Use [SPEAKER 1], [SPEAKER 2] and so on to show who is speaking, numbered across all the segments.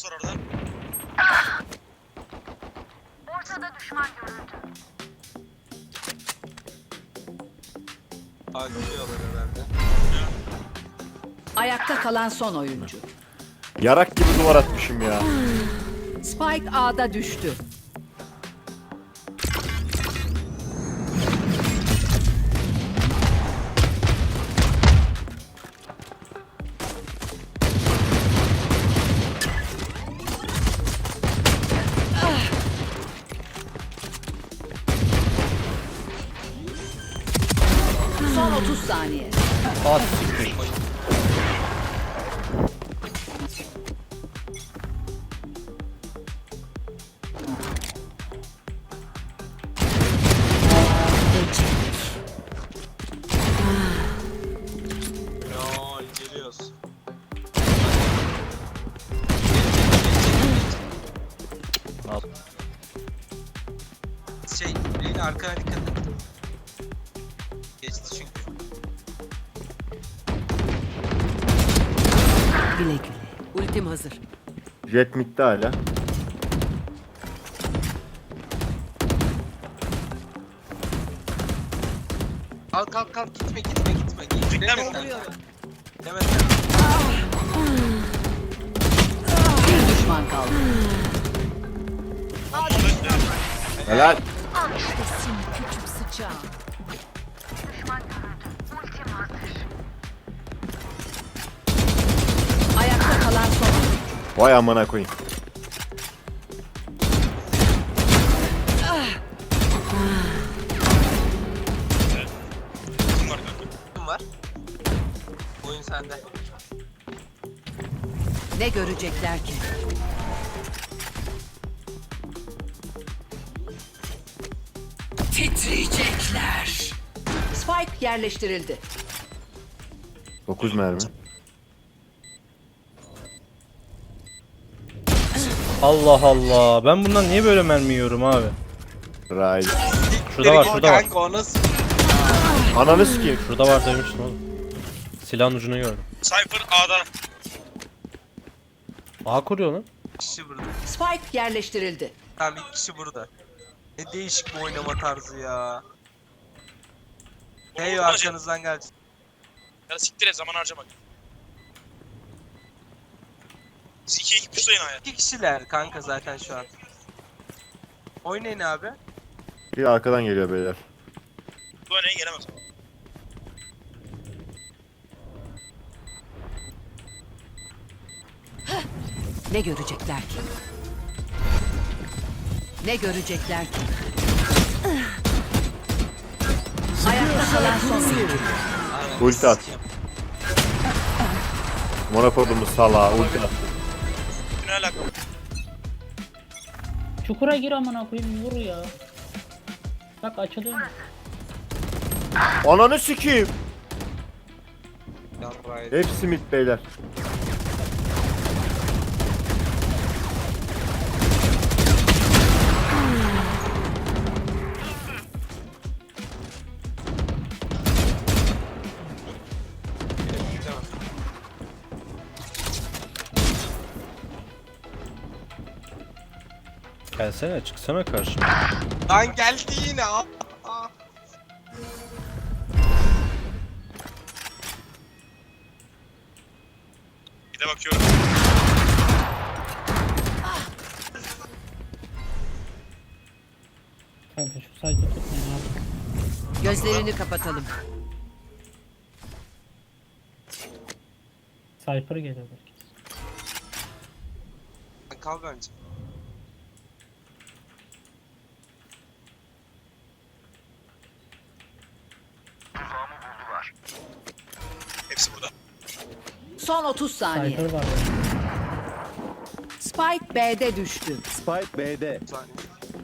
[SPEAKER 1] Last var orada.
[SPEAKER 2] Ortada düşman görüldü.
[SPEAKER 3] Ağlıyorlar herhalde.
[SPEAKER 4] Ayakta kalan son oyuncu.
[SPEAKER 5] Yarak gibi duvar atmışım ya.
[SPEAKER 4] Spike A'da düştü. Son 30 saniye.
[SPEAKER 6] At siktir.
[SPEAKER 3] Ya geliyoruz.
[SPEAKER 6] Al.
[SPEAKER 3] Beyin arkana dikkat et. Geçti çünkü.
[SPEAKER 4] Güle güle. Ultim hazır.
[SPEAKER 5] Jet midde hala.
[SPEAKER 3] Al kalk kalk gitme.
[SPEAKER 1] Beklemiyorum.
[SPEAKER 3] Demeden.
[SPEAKER 4] Bir düşman kaldı.
[SPEAKER 5] Helal.
[SPEAKER 4] Küçük sıçağım.
[SPEAKER 2] Düşman görüldü. Ultim hazır.
[SPEAKER 4] Ayakta kalan son oyuncu.
[SPEAKER 5] Vay amına koyayım.
[SPEAKER 1] Kim var kanka?
[SPEAKER 3] Kim var? Oyun sende.
[SPEAKER 4] Ne görecekler ki? Titriyecekler. Spike yerleştirildi.
[SPEAKER 5] 9 mermi.
[SPEAKER 6] Allah Allah. Ben bundan niye böyle mermi yiyorum abi?
[SPEAKER 5] Ray.
[SPEAKER 6] Şurada var, şurada var.
[SPEAKER 3] Kanka o nasıl?
[SPEAKER 5] Ananı sikeyim.
[SPEAKER 6] Şurada var demiştim oğlum. Silahın ucunu gördüm.
[SPEAKER 1] Cypher A'da.
[SPEAKER 6] A kuruyor lan.
[SPEAKER 3] Bir kişi burada.
[SPEAKER 4] Spike yerleştirildi.
[SPEAKER 3] Tamam bir kişi burada. Ne değişik bir oynama tarzı ya. Hey arkanızdan gelsin.
[SPEAKER 1] Ya siktir et, zaman harcamak. Siz iki puşlayın A'ya.
[SPEAKER 3] İki kişiler kanka zaten şu an. Oynayın abi.
[SPEAKER 5] Bir arkadan geliyor beyler.
[SPEAKER 1] Bu örneğe gelemez.
[SPEAKER 4] Ne görecekler ki? Ne görecekler ki? Ayakta kalan son oyuncu.
[SPEAKER 3] Aynen.
[SPEAKER 5] Ulti at. Monokodumuz salağı ulti at.
[SPEAKER 1] Ne alaka?
[SPEAKER 7] Çukura gir amına koyayım vur ya. Bak açılıyor.
[SPEAKER 5] Ananı sikeyim.
[SPEAKER 3] Yarraydı.
[SPEAKER 5] Hepsi mid beyler.
[SPEAKER 6] Gelsene çıksana karşıma.
[SPEAKER 3] Lan geldi yine. Aa.
[SPEAKER 1] Bir de bakıyorum.
[SPEAKER 7] Kanka şu saydı tutmayın abi.
[SPEAKER 4] Gözlerini kapatalım.
[SPEAKER 7] Cypher geliyor belki.
[SPEAKER 3] Kal bence.
[SPEAKER 1] Hepsi burada.
[SPEAKER 4] Son 30 saniye.
[SPEAKER 7] Cypher var.
[SPEAKER 4] Spike B'de düştü.
[SPEAKER 5] Spike B'de.
[SPEAKER 3] Bir saniye.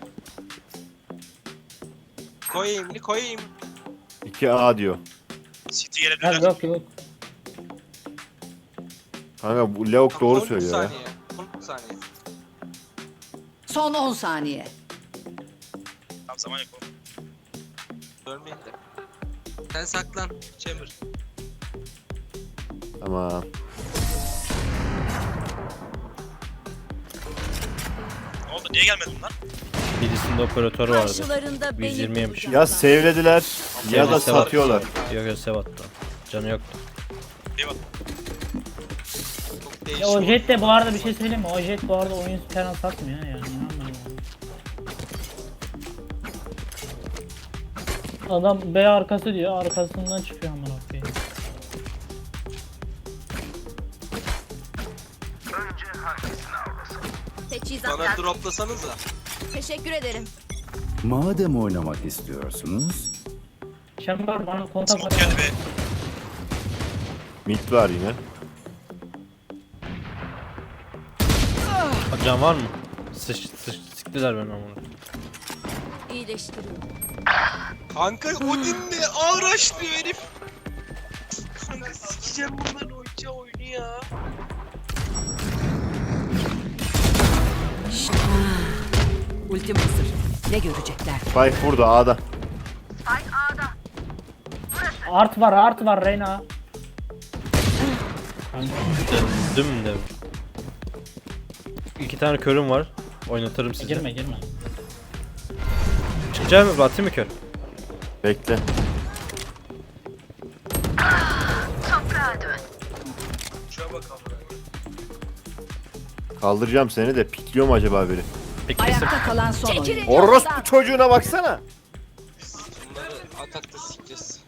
[SPEAKER 3] Koyayım.
[SPEAKER 5] 2A diyor.
[SPEAKER 1] City
[SPEAKER 7] Ha
[SPEAKER 1] gelebilirler.
[SPEAKER 7] yok yok.
[SPEAKER 5] Kanka bu Leok doğru
[SPEAKER 3] 13
[SPEAKER 5] söylüyor ya.
[SPEAKER 3] saniye. 13 saniye.
[SPEAKER 4] Son 10 saniye.
[SPEAKER 1] Tam zaman yok.
[SPEAKER 3] Ölmeyin de. Sen saklan. Chamber.
[SPEAKER 5] Tamam.
[SPEAKER 1] Niye gelmedi bunlar?
[SPEAKER 6] Birisinde operatör vardı.
[SPEAKER 8] Karşılarında
[SPEAKER 6] 120 yemiş.
[SPEAKER 8] beni
[SPEAKER 5] Ya sevlediler ya da
[SPEAKER 6] Sev attı.
[SPEAKER 5] satıyorlar.
[SPEAKER 6] Yok yok sev attı. Canı yoktu.
[SPEAKER 1] Eyvallah.
[SPEAKER 3] Çok
[SPEAKER 7] Ya o
[SPEAKER 3] değişik.
[SPEAKER 7] jet de bu arada bir şey söyleyeyim mi? O jet bu arada oyun falan satmıyor yani. İnanmıyorum. Adam B arkası diyor, arkasından çıkıyor amına koyayım.
[SPEAKER 8] Teçhizat
[SPEAKER 3] Bana
[SPEAKER 8] lazım.
[SPEAKER 3] droplasanıza.
[SPEAKER 8] Teşekkür ederim.
[SPEAKER 9] Madem oynamak istiyorsunuz,
[SPEAKER 7] Chamber bana kontak
[SPEAKER 1] Smoke geldi be.
[SPEAKER 5] Mid var yine.
[SPEAKER 6] Can var mı? Siktiler beni amına.
[SPEAKER 8] İyileştiriyorum.
[SPEAKER 3] Kanka Odin'le ağır açlıyor herif. Kanka sikeceğim bunların oyuncağı oyunu ya.
[SPEAKER 4] Ultim hazır. Ne görecekler?
[SPEAKER 5] Spike burada A'da.
[SPEAKER 2] Spike A'da.
[SPEAKER 7] art var Reyna.
[SPEAKER 6] Düm de. İki tane körüm var. Oynatırım sizi.
[SPEAKER 7] Girme.
[SPEAKER 6] Çıkacak mı? Atayım mı kör?
[SPEAKER 5] Bekle.
[SPEAKER 2] Toprağa dön.
[SPEAKER 1] Şuna bakalım.
[SPEAKER 5] Kaldıracağım seni de pikliyor mu acaba biri?
[SPEAKER 6] Peki
[SPEAKER 4] Ayakta kalan son oyun.
[SPEAKER 8] Çekilin
[SPEAKER 5] Orospu
[SPEAKER 8] yoldan.
[SPEAKER 5] çocuğuna baksana.
[SPEAKER 3] Bunları atakta sikeceğiz.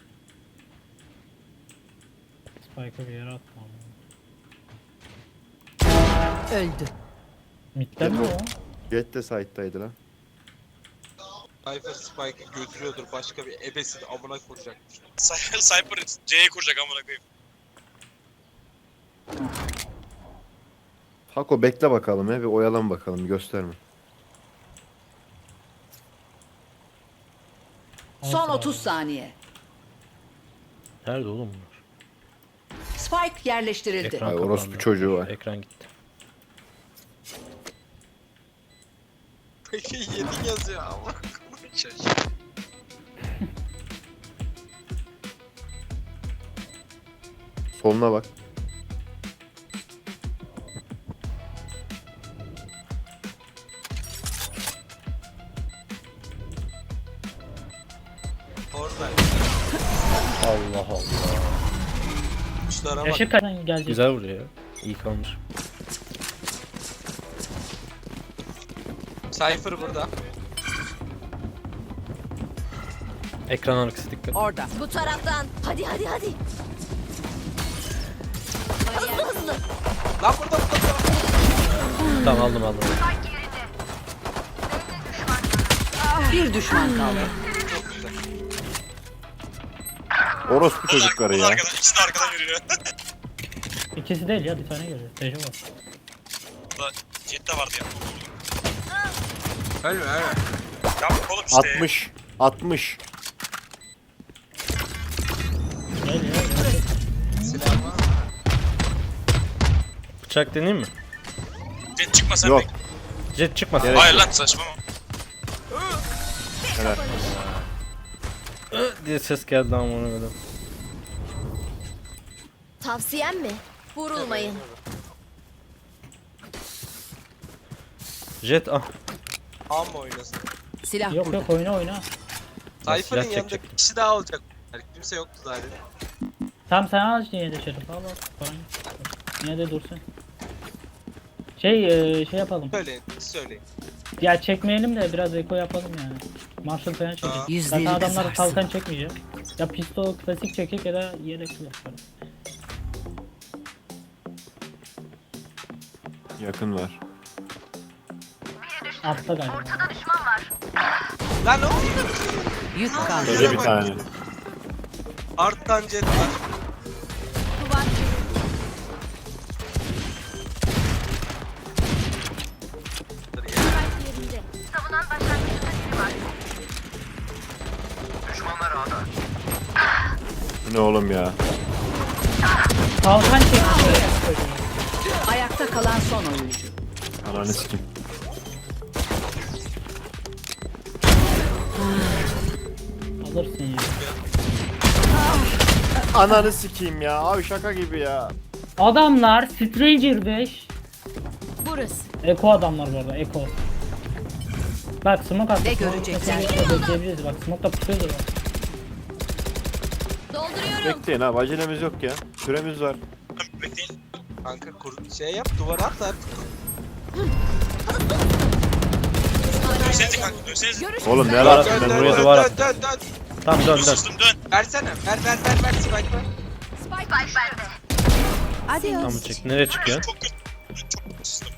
[SPEAKER 7] Spike'ı bir yere atma.
[SPEAKER 4] Öldü.
[SPEAKER 7] Mid'den mi o?
[SPEAKER 5] Jet de side'daydı lan.
[SPEAKER 3] Cypher Spike'ı götürüyordur başka bir ebesini amına koyacakmış.
[SPEAKER 1] Cypher C'ye kuracak amına koyayım.
[SPEAKER 5] Hako bekle bakalım bir oyalan bakalım gösterme.
[SPEAKER 4] Son 30 saniye.
[SPEAKER 6] Nerede oğlum bunlar?
[SPEAKER 4] Spike yerleştirildi.
[SPEAKER 6] Ekran
[SPEAKER 5] Ay,
[SPEAKER 6] kapandı.
[SPEAKER 5] orospu çocuğu var.
[SPEAKER 6] Ekran gitti.
[SPEAKER 3] Peki 7 yazıyor ama.
[SPEAKER 5] Soluna bak.
[SPEAKER 3] Orada.
[SPEAKER 6] Allah Allah.
[SPEAKER 3] Kuşlara bak.
[SPEAKER 7] Yaşık kaçtan gelecek?
[SPEAKER 6] Güzel vuruyor ya. İyi kalmış.
[SPEAKER 3] Cypher burada.
[SPEAKER 6] Ekran arkası dikkat.
[SPEAKER 4] Orada.
[SPEAKER 8] Bu taraftan. Hadi. Hızlı.
[SPEAKER 3] Lan burada.
[SPEAKER 6] Tamam aldım.
[SPEAKER 2] Spike yerinde.
[SPEAKER 4] Bir düşman kaldı.
[SPEAKER 3] Çok güzel.
[SPEAKER 5] Orospu çocukları
[SPEAKER 1] Bu da
[SPEAKER 5] ya.
[SPEAKER 1] arkadan, ikisi de arkadan yürüyor.
[SPEAKER 7] İkisi değil ya, bir tane görüyor. Tejo var.
[SPEAKER 1] Bu da Jet'te vardı ya.
[SPEAKER 3] Ölme.
[SPEAKER 1] Yaptık oğlum işte.
[SPEAKER 5] 60.
[SPEAKER 7] Gel.
[SPEAKER 3] Silah var mı?
[SPEAKER 6] Bıçak deneyeyim mi?
[SPEAKER 1] Jet çıkma sen
[SPEAKER 5] Yok.
[SPEAKER 1] de.
[SPEAKER 6] Jet çıkmasın.
[SPEAKER 5] Gerek
[SPEAKER 1] Hayır
[SPEAKER 5] yok.
[SPEAKER 1] lan saçmalama.
[SPEAKER 5] Helal.
[SPEAKER 6] Diye ses geldi ama ona göre.
[SPEAKER 8] Tavsiyem mi? Vurulmayın.
[SPEAKER 6] Jet ah.
[SPEAKER 3] A mı oynasın?
[SPEAKER 4] Silah
[SPEAKER 7] Yok
[SPEAKER 4] burada.
[SPEAKER 7] oyna.
[SPEAKER 3] Cypher'ın
[SPEAKER 6] silah
[SPEAKER 3] yanında bir
[SPEAKER 6] çekecektim.
[SPEAKER 3] kişi daha olacak. Yani kimse yoktu zaten.
[SPEAKER 7] Tamam sen al yine de Şerif al. Paran yok. Yine de dursun. Şey yapalım.
[SPEAKER 3] Söyleyin.
[SPEAKER 7] Ya çekmeyelim de biraz eko yapalım yani. Marshall falan çekelim.
[SPEAKER 4] Yüzleri
[SPEAKER 7] Zaten adamlar
[SPEAKER 4] kızarsın.
[SPEAKER 7] kalkan çekmeyecek. Ya pistol klasik çekecek ya da yelek yaparız.
[SPEAKER 5] Yakın var.
[SPEAKER 7] Altta galiba.
[SPEAKER 2] Ortada düşman var.
[SPEAKER 3] Lan ne oldu?
[SPEAKER 4] Yük kaldı.
[SPEAKER 5] Öyle bir tane.
[SPEAKER 3] Arttan jet var.
[SPEAKER 8] Duvar. Spike yerinde.
[SPEAKER 2] Savunan başlangıçta biri var.
[SPEAKER 5] Bu ne oğlum ya?
[SPEAKER 7] Kalkan çekecek.
[SPEAKER 4] Ayakta kalan son oyuncu.
[SPEAKER 5] Ananı sikim.
[SPEAKER 7] Alırsın ya.
[SPEAKER 5] Ananı sikeyim ya. Abi şaka gibi ya.
[SPEAKER 7] Adamlar Stranger 5.
[SPEAKER 8] Burası.
[SPEAKER 7] Eko adamlar bu arada, Eko. Bak smoke attı.
[SPEAKER 4] Ne
[SPEAKER 7] Smoke
[SPEAKER 4] görecekler?
[SPEAKER 7] kesinlikle bekleyebiliriz. Bak smoke da pusuyordu. Bak.
[SPEAKER 8] Dolduruyorum.
[SPEAKER 5] Bekleyin abi acelemiz yok ya. Süremiz var.
[SPEAKER 1] Bekleyin.
[SPEAKER 3] Kanka şey yap duvara at artık.
[SPEAKER 1] Dönsenize kanka dönsenize.
[SPEAKER 8] Görüş
[SPEAKER 5] Oğlum ne
[SPEAKER 8] kısıtlanıyor.
[SPEAKER 5] alakası
[SPEAKER 6] Ben
[SPEAKER 5] ben
[SPEAKER 6] buraya
[SPEAKER 5] buraya
[SPEAKER 6] duvar
[SPEAKER 3] dön,
[SPEAKER 6] attım.
[SPEAKER 3] dön.
[SPEAKER 6] Tamam dön dön.
[SPEAKER 1] Sustum dön.
[SPEAKER 3] Versene. Ver Spike ver.
[SPEAKER 2] Spike bende.
[SPEAKER 6] Tamam çek. Nereye çıkıyor?
[SPEAKER 1] Çok kötü. Çok kötü sızdım.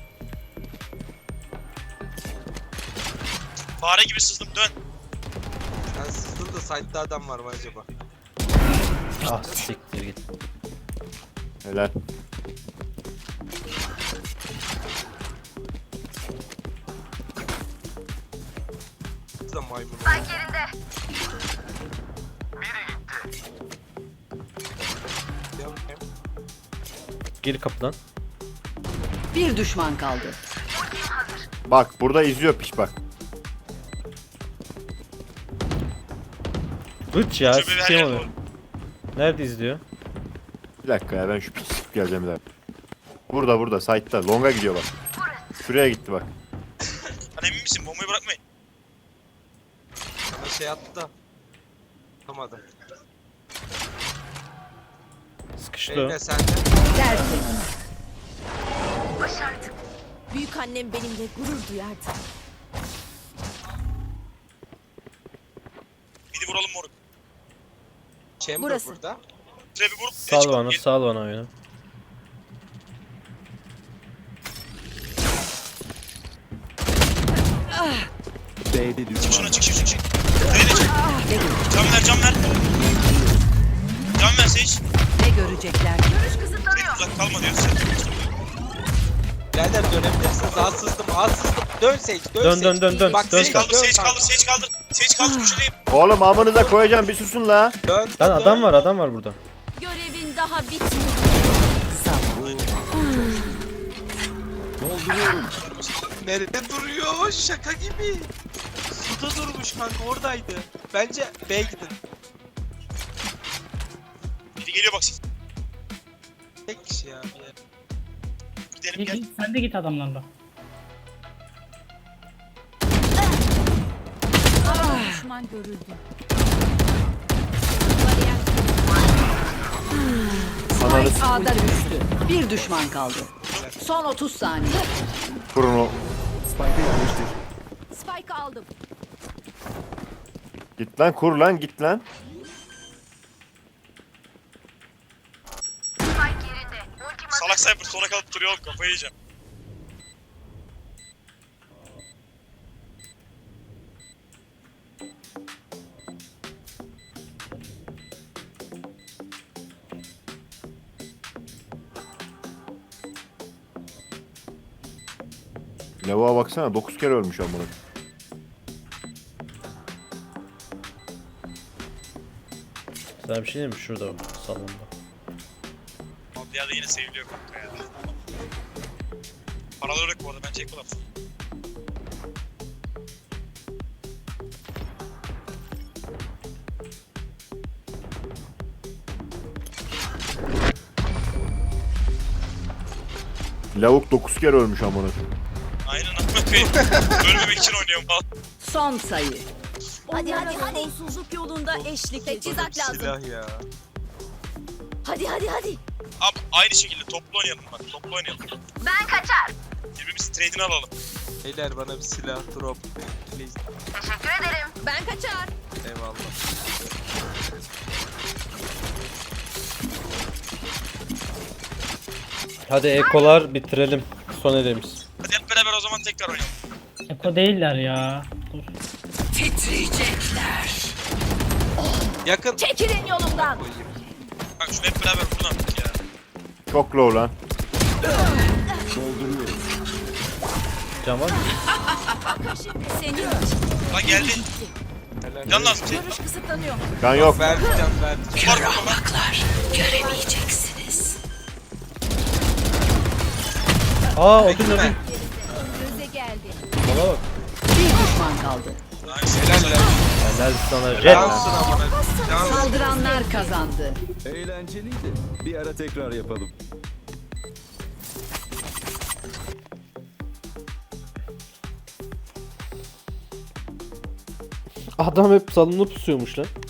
[SPEAKER 1] Fare gibi sızdım dön.
[SPEAKER 3] Ben sızdım da site'da adam var mı acaba?
[SPEAKER 6] Ah siktir git.
[SPEAKER 5] Helal.
[SPEAKER 3] Siz de maymun.
[SPEAKER 2] Spike yerinde.
[SPEAKER 3] Gel bakayım.
[SPEAKER 6] Gir kapıdan.
[SPEAKER 4] Bir düşman kaldı.
[SPEAKER 5] Bak burada izliyor piç bak.
[SPEAKER 6] Üç ya
[SPEAKER 1] Şöyle bir her
[SPEAKER 6] sikeyim
[SPEAKER 1] yer
[SPEAKER 6] onu.
[SPEAKER 1] dolu.
[SPEAKER 6] Nerede izliyor?
[SPEAKER 5] Bir dakika ya ben şu piç sıkıp geleceğim bir dakika. Burada site'da. Longa gidiyor bak. Şuraya gitti bak.
[SPEAKER 1] Hani emin misin? Bombayı bırakmayın.
[SPEAKER 3] Sana şey attı da. Tutamadı.
[SPEAKER 6] Sıkıştı o.
[SPEAKER 3] Eline sende.
[SPEAKER 4] Tertemiz.
[SPEAKER 2] Başardık.
[SPEAKER 8] Büyük annem benimle gurur duyardı.
[SPEAKER 1] Midi vuralım moruk.
[SPEAKER 3] Chamber
[SPEAKER 8] Burası.
[SPEAKER 3] burada.
[SPEAKER 1] Trap'i vurup
[SPEAKER 6] Sal bana sal bana oyunu.
[SPEAKER 9] B'de
[SPEAKER 1] Çık şuna
[SPEAKER 9] düşman.
[SPEAKER 1] çık. Trap'i de çık. Can ver. Can ver Sage.
[SPEAKER 4] Ne görecekler?
[SPEAKER 2] Görüş kısıtlanıyor.
[SPEAKER 1] Trap uzak kalma diyoruz.
[SPEAKER 3] Birader dönebilirsiniz. Az sızdım. Dön Sage.
[SPEAKER 6] Dön.
[SPEAKER 3] Bak
[SPEAKER 6] Dön
[SPEAKER 3] Sage
[SPEAKER 6] sen.
[SPEAKER 3] dön.
[SPEAKER 1] Sage kaldır. Sage kaldır köşedeyim.
[SPEAKER 5] Oğlum amınıza koyacağım bir susun la.
[SPEAKER 3] Dön.
[SPEAKER 6] Lan adam var burada.
[SPEAKER 8] Görevin daha bitmedi.
[SPEAKER 3] Nerede duruyor? Şaka gibi. Suda durmuş kanka oradaydı. Bence B'ye gidin.
[SPEAKER 1] Biri geliyor bak.
[SPEAKER 3] Tek kişi ya.
[SPEAKER 1] Gidelim gel.
[SPEAKER 7] Sen de git adamlarla.
[SPEAKER 4] Düşman görüldü.
[SPEAKER 5] Ananı
[SPEAKER 4] Spike A'da düştü. Bir düşman kaldı. Son 30 saniye.
[SPEAKER 5] kurun o.
[SPEAKER 9] Spike'ı yerleştir.
[SPEAKER 8] Spike aldım.
[SPEAKER 5] Git lan kur lan git lan.
[SPEAKER 2] Spike yerinde. Ultim hazır.
[SPEAKER 1] Salak Cypher sona kalıp duruyor oğlum kafayı yiyeceğim.
[SPEAKER 5] Lavuğa baksana 9 kere ölmüş amına.
[SPEAKER 6] Sana bir şey diyeyim mi? Şurada salonda.
[SPEAKER 1] Abi bir yerde yine seviliyor kanka ya. Paralar yok bu arada bence ekolar.
[SPEAKER 5] Lavuk 9 kere ölmüş amına.
[SPEAKER 1] Aynen amına koyayım. Ölmemek için oynuyorum falan.
[SPEAKER 4] Son sayı.
[SPEAKER 8] Hadi. Sonsuzluk yolunda eşlik. Teçhizat lazım.
[SPEAKER 3] Silah ya.
[SPEAKER 8] Hadi.
[SPEAKER 1] Abi aynı şekilde toplu oynayalım bak. Toplu oynayalım.
[SPEAKER 2] Ben kaçar.
[SPEAKER 1] Birbirimizin trade'ini alalım.
[SPEAKER 3] Beyler bana bir silah drop. Please.
[SPEAKER 2] Teşekkür ederim.
[SPEAKER 8] Ben kaçar.
[SPEAKER 3] Eyvallah.
[SPEAKER 6] Hadi ekolar bitirelim. Son elimiz.
[SPEAKER 1] Hadi hep beraber o zaman tekrar oynayalım.
[SPEAKER 7] Eko değiller ya. Dur.
[SPEAKER 3] Yakın.
[SPEAKER 8] Çekilin yolumdan.
[SPEAKER 1] Bak şunu hep beraber vurun artık ya.
[SPEAKER 5] Çok low lan.
[SPEAKER 9] Dolduruyorum.
[SPEAKER 6] Can var mı?
[SPEAKER 8] Seni
[SPEAKER 1] Lan geldi. Can lazım. Şey,
[SPEAKER 8] görüş kısıtlanıyor.
[SPEAKER 5] Kan yok.
[SPEAKER 3] Vereceğim.
[SPEAKER 1] var burada lan.
[SPEAKER 6] Aa ödül.
[SPEAKER 8] Göze geldi.
[SPEAKER 6] Bana bak.
[SPEAKER 4] Bir düşman kaldı.
[SPEAKER 1] Nice.
[SPEAKER 3] Helal lan.
[SPEAKER 6] Helal sana jet.
[SPEAKER 3] Cansın amına. Cansın.
[SPEAKER 4] Saldıranlar kazandı.
[SPEAKER 9] Eğlenceliydi. Bir ara tekrar yapalım.
[SPEAKER 6] Adam hep salonda pusuyormuş lan.